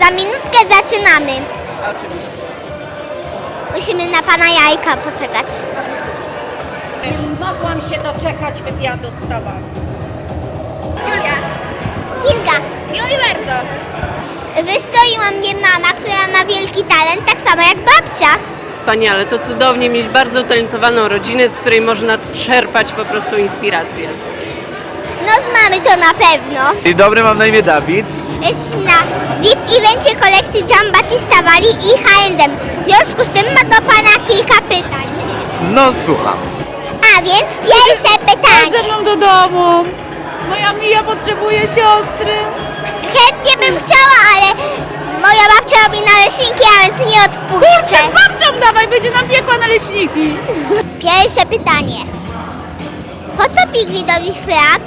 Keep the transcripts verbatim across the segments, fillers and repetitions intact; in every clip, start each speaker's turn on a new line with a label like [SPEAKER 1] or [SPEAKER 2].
[SPEAKER 1] Za minutkę zaczynamy.
[SPEAKER 2] Oczywiście.
[SPEAKER 1] Musimy na pana Jajka poczekać.
[SPEAKER 3] Nie mogłam się doczekać wywiadu z tobą.
[SPEAKER 1] Julia. Kilka.
[SPEAKER 2] Miło bardzo.
[SPEAKER 1] Wystoiła mnie mama, która ma wielki talent, tak samo jak babcia.
[SPEAKER 2] Wspaniale, to cudownie mieć bardzo utalentowaną rodzinę, z której można czerpać po prostu inspirację.
[SPEAKER 1] No mamy to na pewno.
[SPEAKER 4] Dzień dobry, mam na imię Dawid.
[SPEAKER 1] Jesteśmy na V I P-evencie kolekcji Giambattista Valli i H and M. W związku z tym ma do pana kilka pytań.
[SPEAKER 4] No słucham.
[SPEAKER 1] A więc pierwsze pytanie.
[SPEAKER 3] Ze mną do domu. Moja Mija potrzebuje siostry.
[SPEAKER 1] Chętnie bym chciała, ale moja babcia robi naleśniki, a więc nie odpuszczę.
[SPEAKER 3] Babcią dawaj, będzie nam piekła naleśniki.
[SPEAKER 1] Pierwsze pytanie. Po co pingwinowi frak?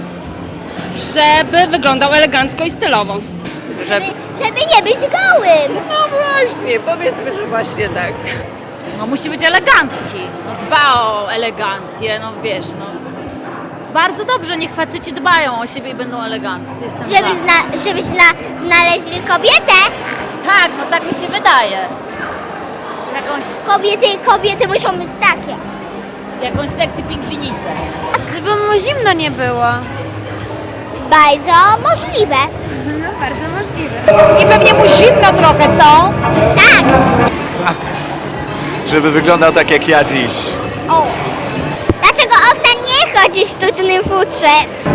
[SPEAKER 3] Żeby wyglądał elegancko i stylowo.
[SPEAKER 2] Żeby...
[SPEAKER 1] Żeby nie być gołym.
[SPEAKER 2] No właśnie, powiedzmy, że właśnie tak.
[SPEAKER 5] No musi być elegancki, no dba o elegancję, no wiesz, no. Bardzo dobrze, niech faceci dbają o siebie i będą eleganccy, jestem
[SPEAKER 1] Żeby
[SPEAKER 5] za.
[SPEAKER 1] zna, żeby zna, znaleźli kobietę.
[SPEAKER 5] Tak, no tak mi się wydaje. Jakąś,
[SPEAKER 1] Kobiety, kobiety muszą być takie.
[SPEAKER 5] jakąś sexy pingwinicę.
[SPEAKER 6] Żeby mu zimno nie było.
[SPEAKER 1] Bardzo możliwe.
[SPEAKER 6] No, bardzo możliwe.
[SPEAKER 3] I pewnie mu zimno trochę, co?
[SPEAKER 1] Tak.
[SPEAKER 4] Żeby wyglądał tak jak ja dziś.
[SPEAKER 1] O. Dlaczego owca nie chodzi w sztucznym futrze?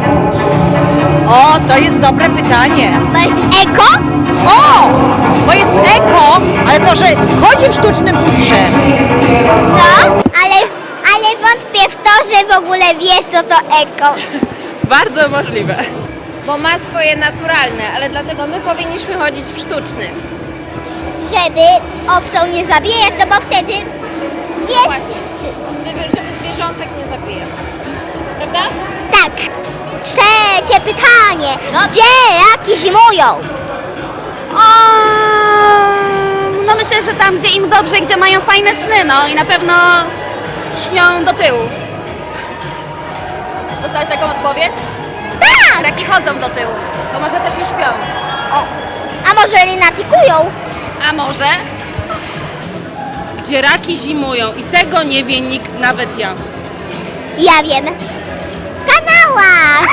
[SPEAKER 3] O, to jest dobre pytanie.
[SPEAKER 1] Bo jest eko?
[SPEAKER 3] O, bo jest eko, ale to, że chodzi w sztucznym futrze.
[SPEAKER 1] No, ale, ale wątpię w to, że w ogóle wie, co to eko.
[SPEAKER 2] Bardzo możliwe.
[SPEAKER 7] Bo ma swoje naturalne, ale dlatego my powinniśmy chodzić w sztucznych.
[SPEAKER 1] Żeby owcą nie zabijać, no bo wtedy wiecie.
[SPEAKER 7] Właśnie. Żeby, żeby zwierzątek nie zabijać. Prawda?
[SPEAKER 1] Tak. Trzecie pytanie.
[SPEAKER 5] No.
[SPEAKER 1] Gdzie raki zimują?
[SPEAKER 7] No myślę, że tam, gdzie im dobrze, gdzie mają fajne sny, no i na pewno śnią do tyłu. Dostałeś taką odpowiedź?
[SPEAKER 1] Tak.
[SPEAKER 7] Raki chodzą do tyłu, to może też i śpią.
[SPEAKER 1] A może lunatykują?
[SPEAKER 7] A może?
[SPEAKER 3] Gdzie raki zimują i tego nie wie nikt, nawet ja.
[SPEAKER 1] Ja wiem. W kanałach.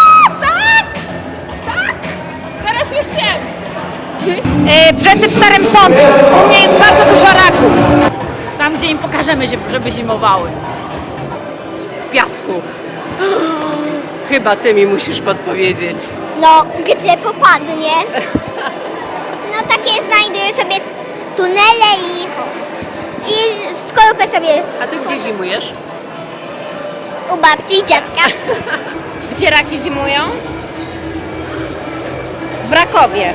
[SPEAKER 7] Teraz już wiem.
[SPEAKER 3] E, w rzece w Starym Sączu. U mnie jest bardzo dużo raków.
[SPEAKER 5] Tam, gdzie im pokażemy, żeby zimowały.
[SPEAKER 2] W piasku. Chyba ty mi musisz podpowiedzieć.
[SPEAKER 1] No, gdzie popadnie. No takie znajduję sobie tunele i, i w skorupę sobie
[SPEAKER 2] A ty gdzie zimujesz?
[SPEAKER 1] u babci i dziadka.
[SPEAKER 7] Gdzie raki zimują? W Rakowie.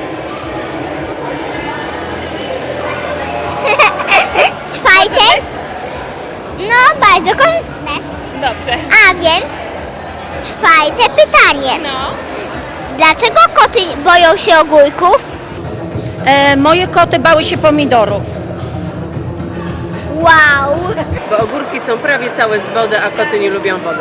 [SPEAKER 1] Czwarte. No, bardzo korzystne.
[SPEAKER 7] Dobrze.
[SPEAKER 1] A więc czwarte pytanie.
[SPEAKER 7] No.
[SPEAKER 1] Dlaczego koty boją się ogórków?
[SPEAKER 3] E, moje koty bały się pomidorów.
[SPEAKER 1] Wow.
[SPEAKER 2] Bo ogórki są prawie całe z wody, a koty nie lubią wody.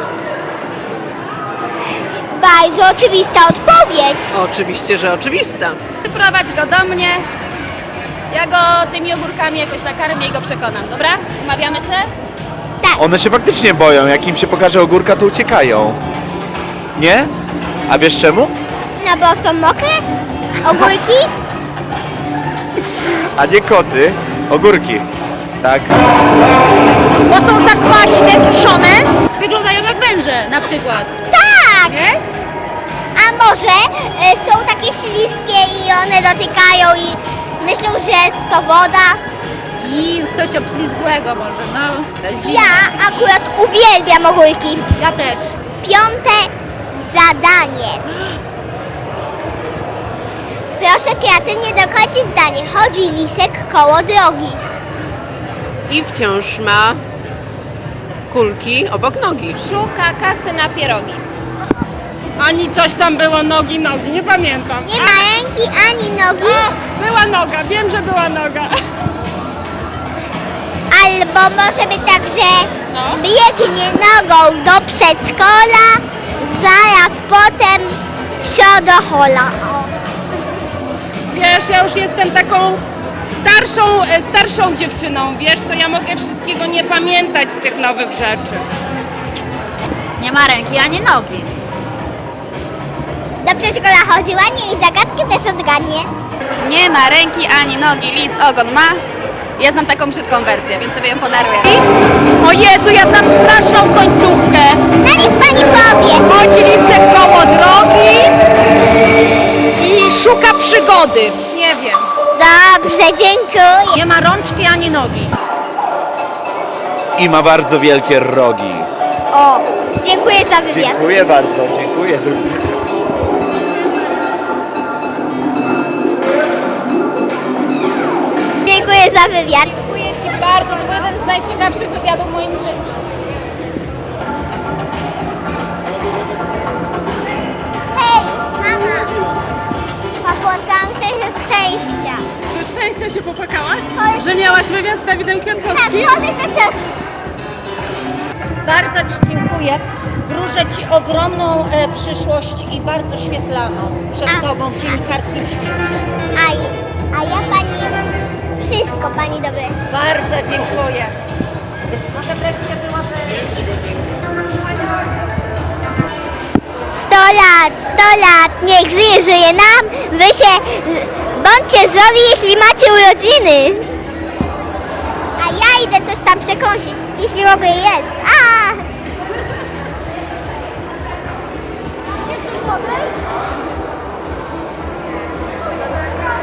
[SPEAKER 1] Bardzo oczywista odpowiedź.
[SPEAKER 2] Oczywiście, że oczywista.
[SPEAKER 7] Wyprowadź go do mnie. Ja go tymi ogórkami jakoś nakarmię i go przekonam, dobra? Umawiamy się?
[SPEAKER 4] One się faktycznie boją, jak im się pokaże ogórka, to uciekają. Nie? A wiesz czemu?
[SPEAKER 1] No bo są mokre? Ogórki?
[SPEAKER 4] A nie koty, ogórki. Tak.
[SPEAKER 3] Bo są zakwaśne, kiszone. Wyglądają jak węże na przykład.
[SPEAKER 1] Tak. A może e, są takie śliskie i one dotykają i myślą, że jest to woda?
[SPEAKER 5] I coś obślizgłego może, no. na zimę.
[SPEAKER 1] Ja akurat uwielbiam ogórki.
[SPEAKER 3] Ja też.
[SPEAKER 1] Piąte zadanie. Proszę kreatywnie dokończyć zdanie. Chodzi lisek koło drogi.
[SPEAKER 2] I wciąż ma kulki obok nogi.
[SPEAKER 7] Szuka kasy na pierogi.
[SPEAKER 3] Ani coś tam było nogi, nogi, nie pamiętam.
[SPEAKER 1] Nie ma ręki ani nogi,
[SPEAKER 3] A, była noga, wiem, że była noga.
[SPEAKER 1] albo może być tak, że
[SPEAKER 7] No.
[SPEAKER 1] biegnie nogą do przedszkola, zaraz potem wsio do hola. O.
[SPEAKER 8] wiesz, ja już jestem taką starszą, e, starszą dziewczyną, wiesz, to ja mogę wszystkiego nie pamiętać z tych nowych rzeczy.
[SPEAKER 5] Nie ma ręki ani nogi.
[SPEAKER 1] Do przedszkola chodziła, nie i zagadkę też odgadnie.
[SPEAKER 7] Nie ma ręki ani nogi, lis ogon ma. Ja znam taką brzydką wersję, więc sobie ją podaruję.
[SPEAKER 3] O Jezu, ja znam straszną końcówkę.
[SPEAKER 1] No niech pani powie.
[SPEAKER 3] Chodzi lisek koło drogi i szuka przygody. Nie wiem.
[SPEAKER 1] Dobrze, dziękuję.
[SPEAKER 3] Nie ma rączki ani nogi.
[SPEAKER 4] I ma bardzo wielkie rogi.
[SPEAKER 1] O, dziękuję za wywiad.
[SPEAKER 4] Dziękuję bardzo, dziękuję drodzy.
[SPEAKER 1] Dziękuję za wywiad.
[SPEAKER 7] Dziękuję Ci bardzo, to był jeden z najciekawszych wywiadów w moim życiu.
[SPEAKER 1] Hej, mama. Popłakałam się ze szczęścia.
[SPEAKER 8] Ze szczęścia się popłakałaś?
[SPEAKER 1] Chodź.
[SPEAKER 8] Że miałaś wywiad z Dawidem
[SPEAKER 1] Tak,
[SPEAKER 8] Kwiatkowskim?
[SPEAKER 1] chodzę do cioci.
[SPEAKER 3] Bardzo Ci dziękuję. Wróżę Ci ogromną e, przyszłość i bardzo świetlaną przed
[SPEAKER 1] A.
[SPEAKER 3] Tobą w dziennikarskim świecie.
[SPEAKER 1] A, a ja pani, wszystko pani dobre.
[SPEAKER 3] Bardzo dziękuję. Może wreszcie byłaby...
[SPEAKER 1] Sto lat, sto lat, niech żyje, żyje nam. Wy się, bądźcie zdrowi, jeśli macie urodziny. A ja idę coś tam przekąsić, jeśli mogę jest. A! Jest coś dobre?